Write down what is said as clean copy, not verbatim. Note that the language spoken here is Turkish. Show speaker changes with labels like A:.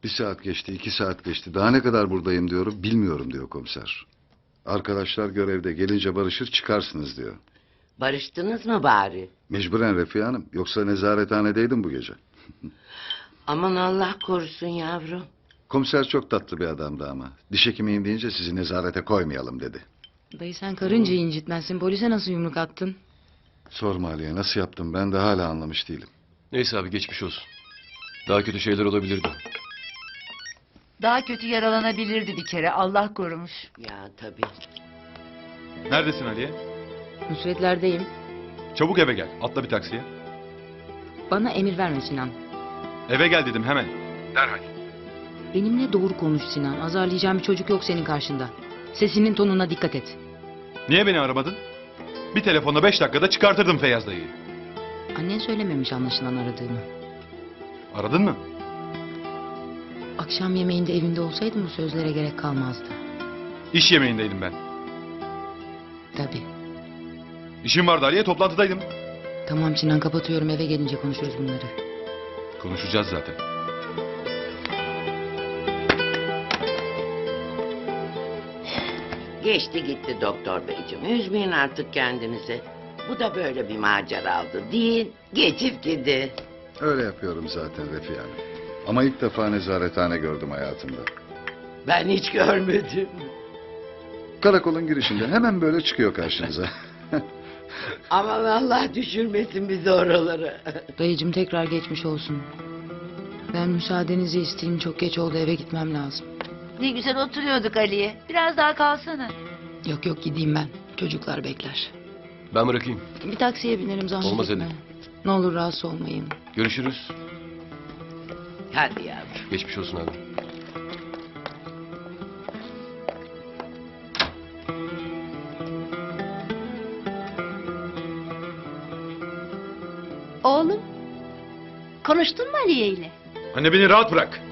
A: Bir saat geçti, 2 saat geçti. Daha ne kadar buradayım diyorum, bilmiyorum diyor komiser. Arkadaşlar görevde, gelince barışır çıkarsınız diyor.
B: Barıştınız mı bari?
A: Mecburen Refiye Hanım, yoksa nezarethanedeydim bu gece.
B: Aman Allah korusun yavrum.
A: Komiser çok tatlı bir adamdı ama. Diş hekimiyim deyince sizi nezarete koymayalım dedi.
C: Dayı sen karınca incitmezsin. Polise nasıl yumruk attın?
A: Sorma Ali'ye, nasıl yaptım ben de hala anlamış değilim.
D: Neyse abi geçmiş olsun. Daha kötü şeyler olabilirdi.
E: Daha kötü yaralanabilirdi bir kere. Allah korumuş.
B: Ya tabii.
F: Neredesin Aliye?
C: Nusretlerdeyim.
F: Çabuk eve gel. Atla bir taksiye.
C: Bana emir verme Sinan.
F: Eve gel dedim hemen. Derhal.
C: Benimle doğru konuş Sinan. Azarlayacağım bir çocuk yok senin karşında. Sesinin tonuna dikkat et.
F: Niye beni aramadın? Bir telefonla 5 dakikada çıkartırdım Feyyaz dayıyı.
C: Annen söylememiş anlaşılan aradığımı.
F: Aradın mı?
C: Akşam yemeğinde evinde olsaydım bu sözlere gerek kalmazdı.
F: İş yemeğindeydim ben.
C: Tabii.
F: İşim vardı Aliye, toplantıdaydım.
C: Tamam Sinan kapatıyorum, eve gelince konuşuruz bunları.
F: Konuşacağız zaten.
B: Geçti gitti doktor beyciğim. Üzmeyin artık kendinizi. Bu da böyle bir maceradı değil. Geçip gidi.
A: Öyle yapıyorum zaten Refiye Hanım. Ama ilk defa nezarethane gördüm hayatımda.
B: Ben hiç görmedim.
A: Karakolun girişinde hemen böyle çıkıyor karşınıza.
B: Aman Allah düşürmesin bizi oralara.
C: Dayıcım tekrar geçmiş olsun. Ben müsaadenizi isteyeyim, çok geç oldu, eve gitmem lazım.
E: Ne güzel oturuyorduk Ali'ye. Biraz daha kalsana.
C: Yok yok gideyim ben. Çocuklar bekler.
D: Ben bırakayım.
C: Bir taksiye binerim, zahmet
D: Olmaz
C: etme.
D: Edip.
C: Ne olur rahatsız olmayın.
D: Görüşürüz.
B: Hadi yavrum.
D: Geçmiş olsun abi.
G: Oğlum, konuştun mu Aliye ile?
F: Anne beni rahat bırak.